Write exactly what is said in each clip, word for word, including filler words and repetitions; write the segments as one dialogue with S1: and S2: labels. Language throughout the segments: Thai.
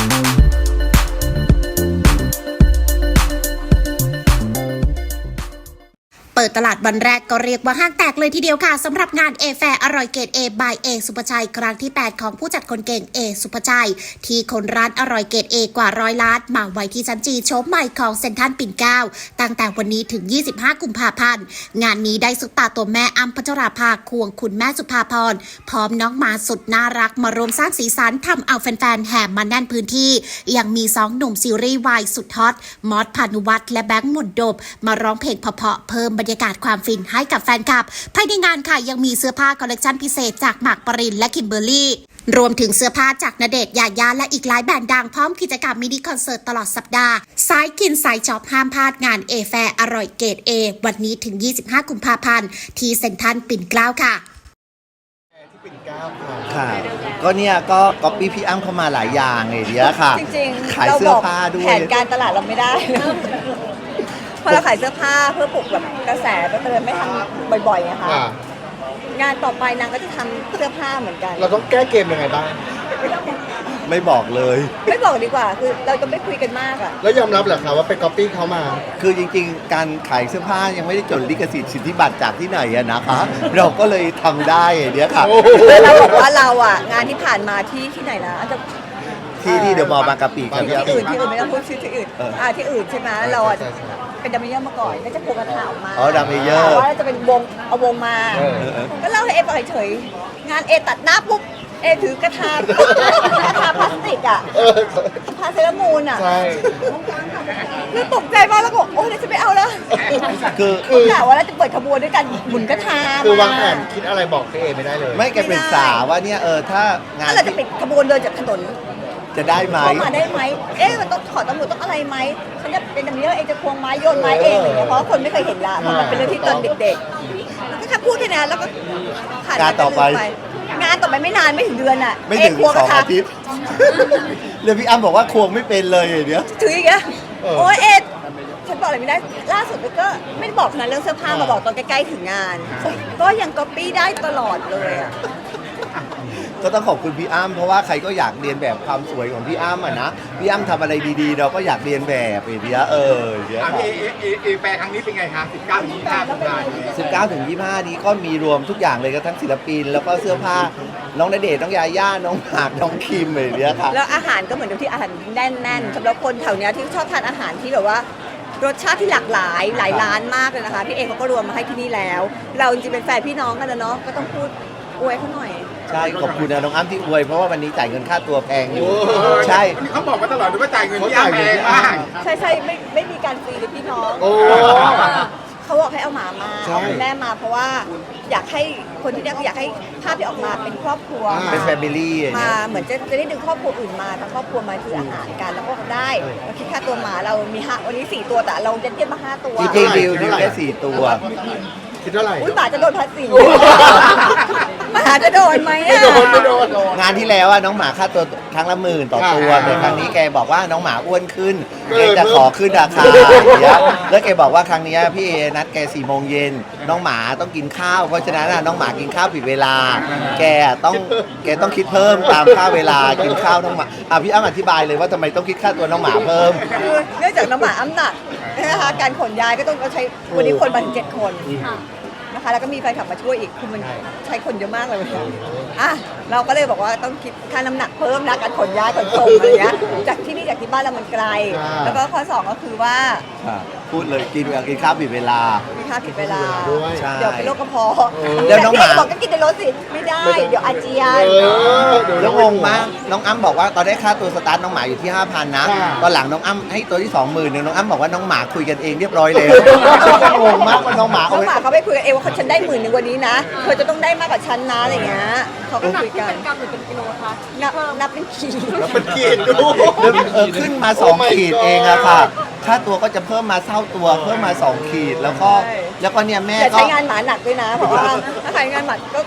S1: เปิดตลาดวันแรกก็เรียกว่าห้างแตกเลยทีเดียวค่ะสำหรับงานเอแฟร์อร่อยเกรดเอบายเอสุภชัยครั้งที่แปดของผู้จัดคนเก่งเอสุภชัยที่คนร้านอร่อยเกรดเอกว่าร้อยล้านมาไว้ที่ชั้นจีโชมใหม่ของเซ็นทรัลปิ่นเกล้าตั้งแต่วันนี้ถึงยี่สิบห้ากุมภาพันธ์งานนี้ได้ซุปตาตัวแม่อ้ำพัชราภาควงคุณแม่สุภาพรพร้อมน้องหมาสุดน่ารักมารวมสร้างสีสันทำเอาแฟนๆแห่มาแน่นพื้นที่ยังมีสองหนุ่มซีรีส์วายสุดฮอตมอสพานุวัฒน์และแบงค์หมุนดบมาร้องเพลงเพราะๆเพิ่มบรรยากาศความฟินให้กับแฟนคลับภายในงานค่ะยังมีเสื้อผ้าคอลเลกชันพิเศษจากหมากปรินและคิมเบอร์รี่รวมถึงเสื้อผ้าจากณเดชน์ยายาและอีกหลายแบรนด์ดังพร้อมกิจกรรมมินิคอนเสิร์ตตลอดสัปดาห์สายกินสายช็อปห้ามพลาดงานเอแฟร์อร่อยเกรดเอวันนี้ถึงยี่สิบห้ากุมภาพันธ์ที่เซ็นทรัลปิ่นเกล้าค่ะ
S2: ที่ปิ่นเกล้าค่ะก็เนี่ยก็ก๊อปปี้พี่อ้ำเข้ามาหลายอย่างเลยเดียวค่ะ
S3: จริงๆ
S2: ขายเสื้อผ้าด้วย
S3: แผนการตลาดเราไม่ได้พอเราขายเสื้อผ้าเพื่อปลุกแบบกระแสก็เลยไม่ทำบ่อยๆนะคะงานต่อไปนางก็จะทำเสื้อผ้าเหมือนกัน
S4: เราต้องแก้เกมยังไงบ้าง
S2: ไม่บอกเลย
S3: ไม่บอกดีกว่าคือเราจะไม่คุยกันมากอะ
S4: แล้วยอมรับเหรอคะว่าไปก๊อปปี้เขามา
S2: คือจริงๆการขายเสื้อผ้ายังไม่ได้จดลิขสิทธิ์สิทธิบัตรจากที่ไหนอะนะคะเราก็เลยทำได้เดี๋ยวค่ะ
S3: เราบอกว่าเราอะงานที่ผ่านมาที่ที่ไหนนะจะ
S2: ที่ที่เดอะมอลล์บางกะปิ
S3: ครับที่อื่นที่อื่นไม่ต้องพูดชื่อที่อื่นอ่าที่อื่นใช่ไหมเราเป็นดัมเมเยอร์มาก่อนก็จะโผล่กระถาออกมา
S2: อ๋อดัมเมเยอร์
S3: ว่าจะเป็นวงเอาวงมาก็เล่าให้เอปล่อยเฉยงานเอตัดหน้าปุ๊บเอถือกระถากระถาพลาสติกอะพาเซรามูนอะ
S4: ใช่
S3: แล้วตกใจมากแล้วก็โอ้ยจะไม่เอาแล้ว
S2: คือ
S3: คือกะว่าเราจะเปิดขบวนด้วยกันหมุนกระถา
S4: คือวางแผนคิดอะไรบอกเอไม่ได้เลย
S2: ไม่แกเป็นสาวว่าเนี่ยเออถ้างาน
S3: เราจะปิดขบวนเดินจากถนน
S2: จะได้ไหม
S3: เข้ามาได้ไหมเอ๊ะมันต้องขอตำรวจต้องอะไรไหมฉันจะเป็นดัมเมเยอร์เองจะควงไม้โยนไม้เองอะไรเงี้ยเพราะคนไม่เคยเห็นละเพราะมันเป็นเรื่องที่ตอนเด็กๆแล้วก็แค่พูดแค่นั้นแล้วก็ผ่าน
S2: งานต่อไป
S3: งานต่อไปไม่นานไม่ถึงเดือนอ่ะ
S2: ไม่ถึงสองอาทิตย์เรื่องพี่อ้ำบอกว่าควงไม่เป็นเลยเดี๋ยว
S3: ถืออย่างเงี้ยโอ้ยเอ็ดฉันบอกอะไรไม่ได้ล่าสุดก็ไม่ได้บอกนะเรื่องเสื้อผ้ามาบอกตอนใกล้ๆถึงงานก็ยังก๊อปปี้ได้ตลอดเลยอ่ะ
S2: ก็ต้องขอบคุณพี่อ้ำเพราะว่าใครก็อยากเรียนแบบความสวยของพี่อ้ำอ่ะนะพี่อ้ำทำอะไรดีๆเราก็อยากเรียนแบบไอ้เดียเออเดี๋ยว
S4: เอเอเอแปลครั้งนี้เป็นไงคะสิบเก้าถึงยี่สิบห้าตุลาคม
S2: สิบเก้าถึงยี่สิบห้านี้ก็มีรวมทุกอย่างเลยก็ทั้งศิลปินแล้วก็เสื้อผ้าน้องณเดชน์น้องยาย่าน้องหมากน้องคิมไอ้เดียค่ะ
S3: แล้วอาหารก็เหมือนที่อาหารแน่นๆสำหรับคนแถวเนี้ยที่ชอบทานอาหารที่แบบว่ารสชาติที่หลากหลายหลายร้านมากเลยนะคะพี่เอเขาก็รวมมาให้ที่นี่แล้วเราจริงๆเป็นแฟนพี่น้องกันนะเนาะก็ต้องพูดอวยเขาหน่อย
S2: ใช่ขอบคุณนะน้องอ้ำที่อวยเพราะว่าวันนี้จ่ายเงินค่าตัวแพงอยู่ใช่
S4: เขาบอกมาตลอดว่าจ่ายเงินที่อ้ำแพงมาก
S3: ใช่ใช่ไม่ไม่มีการฟรีเลยพี่น้องเขาบอกให้เอาหมามาเอาแม่มาเพราะว่าอยากให้คนที่นี่อยากให้ภาพที่ออกมาเป็นครอบครัว
S2: เป็นแฟมิลี่
S3: มาเหมือนจะจะได้ดึงครอบครัวอื่นมาทั้งครอบครัวมาคืออาหารกันแล้วก็ได้เราคิดค่าตัวหมาเรามีห้าวันนี้สี่ตัวแต่เราจะเทียบมาห้าตัว
S2: จริงๆดิวดิวได้สี่ตัว
S4: คิดเท่าไหร่
S3: อุ้ยหมาจะโดนภาษีหมาจะโดนไหมอ่ะไม่
S4: โดนไม่โดน
S2: งานที่แล้วอะน้องหมาค่าตัวครั้งละหมื่นต่อตัวแต่ครั้งนี้แกบอกว่าน้องหมาอ้วนขึ้นแกจะขอขึ้นราคาแล้วแกบอกว่าครั้งนี้พี่เอนัดแกสี่โมงเย็นน้องหมาต้องกินข้าวเพราะฉะนั้นน้องหมากินข้าวผิดเวลาแกต้องแกต้องคิดเพิ่มตามค่าเวลากินข้าวน้องหมาอ่ะพี่อ้ำอธิบายเลยว่าทำไมต้องคิดค่าตัวน้องหมาเพิ่ม
S3: คือเนื่องจากน้องหมาอ้ำหนักนะคะการขนย้ายก็ต้องใช้วันนี้คนมาถึงเจ็ดคนนะคะแล้วก็มีแฟนคลับมาช่วยอีกคือมันใช้คนเยอะมากเลยอ่ะเราก็เลยบอกว่าต้องคิดค่าน้ำหนักเพิ่มนะการขนย้ายขนส่งอะไรเงี้ยจากที่นี่จากที่บ้านเรามันไกลแล้วก็ข้อสองก็คือว่า
S2: พูดเลยกินกินข้าวผิดเวลา
S3: กินข้าวผิดเวลาเดี๋ยวเป็นโรคกระเพาะ
S2: เดี๋ยวน้องหมา
S3: บอกก็กินในรถสิไม่ได้เดี๋ยวอาเจียน
S2: แล้วงงมากน้องอ้ำบอกว่าตอนได้ค่าตัวสตาร์ทน้องหมาอยู่ที่ ห้าพัน นะตอนหลังน้องอ้ำให้ตัวที่ สองหมื่น นึงน้องอ้ำบอกว่าน้องหมาคุยกันเองเรียบร้อยแล้วงงมากว่าน้องหมา
S3: น้องหมาเขาไม่คุยกันเองว่าฉันได้หมื่นนึงวันนี้นะเธอจะต้องได้มากกว่าฉันนะอะไรเงี้ยเขาก็คุยกัน
S5: เป็นกรัมหรือเป็นกิโลคะ
S3: นับนับเป็นขีด
S4: นับเป็นขีดดู
S2: ขึ้นมาสองขีดเองอะค่ะค่าตัวก็จะเพิ่มมาเท่าตัวเพิ่มมาสองขีดแล้วก็แล้วก็เนี่ยแม่ก็
S3: ใช้งานหมาหนักด้วยนะเพราะว่าถ้าใช้งานหมาก็คือ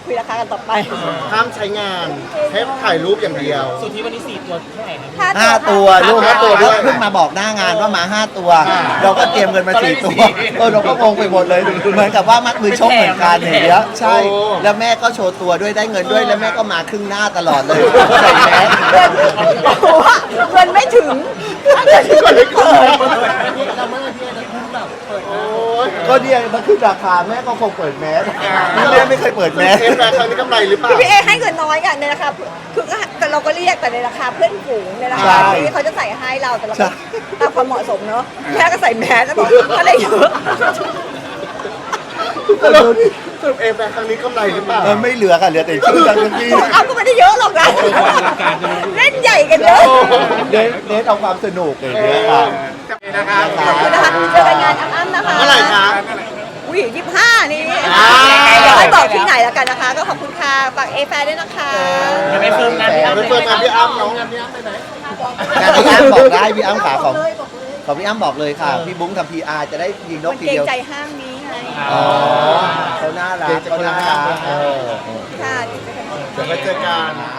S3: คุยราคากันต่อไป
S5: ห้ามใช้งานแค่ถ่ายรูปอย่างเดียว
S6: สุดที่วันนี้สี่ตัวเท่าไหร่ครับ
S2: ห้าตัวลูก
S5: ห้าตัวด้วย
S2: เพิ่งมาบอกหน้างานว่ามาห้าตัว เราก็เตรียมเงินมาสี่ตัวเออเราก็งงไปหมดเลยเหมือนกับว่ามัดมือชกเหมือนกันอย่างเงี้ยใช่ แล้วแม่ก็โชว์ตัวด้วยได้เงินด้วยแล้วแม่ก็มาครึ่งหน้าตลอดเลยใส่แมส
S3: เงินไม่ถึงเงินไม่ถึง
S2: ก็เนี่ยมันขึ้นราคาแม่ก็คงเปิดแมสแม่ไม่เคยเปิดแมส
S5: เอฟแฟร์ครั้งนี้กำไรหรือเปล่า
S3: พี่เอให้เงินน้อยกันในราคาคือก็เราก็เรียกแต่ในราคาเพื่อนฝูงในราคาที่เขาจะใส่ให้เราแต่เราก็ตามความเหมาะสมเนาะแม่ก็ใส่แมสแล้วบอกอะไรเยอะ
S5: สรุปเอฟแฟร์ครั้งนี้กำไรหรือเปล่า
S2: เออไม่เหลือค่ะเหลือแต่ชื่อทั้งที่
S3: เอาก็ไม่ได้เยอะหรอกนะเล่นใหญ่กันเยอะ
S2: เน้นเน้นเอาความสนุกอย่างเงี้ยค่ะ
S4: นะครับ
S3: ขอบคุณนะคะเจอกันงานอ้ำๆนะคะ
S5: เมื่อไหร่คะ
S3: อุ้ยยี่สิบห้านี่
S5: อ่า
S3: เดี๋ยวให้บอกที่ไหนแล้วกันนะคะ ก็ขอบคุณค่ะฝากเอแฟด้วยนะคะ
S6: จะไปเฟิร์มงานพี่อ้ำ
S5: ไปเฟิร์มงานพี่อ้ำเนาะ
S2: งานพี่อ้ำบอกได้พี่อ้ำขาของของพี่อ้ำบอกเลยค่ะ พี่บุ้งทำพีอาร์จะได้ยิงน
S3: มั
S2: ก
S3: น
S2: ที
S3: เกรง
S2: เดียว
S3: ใจห้างนี้ไง
S2: อ๋อเขาน่ารักเขาน่ารักเออ
S3: ค่ะ
S5: เดี๋ยวไปเจอกัน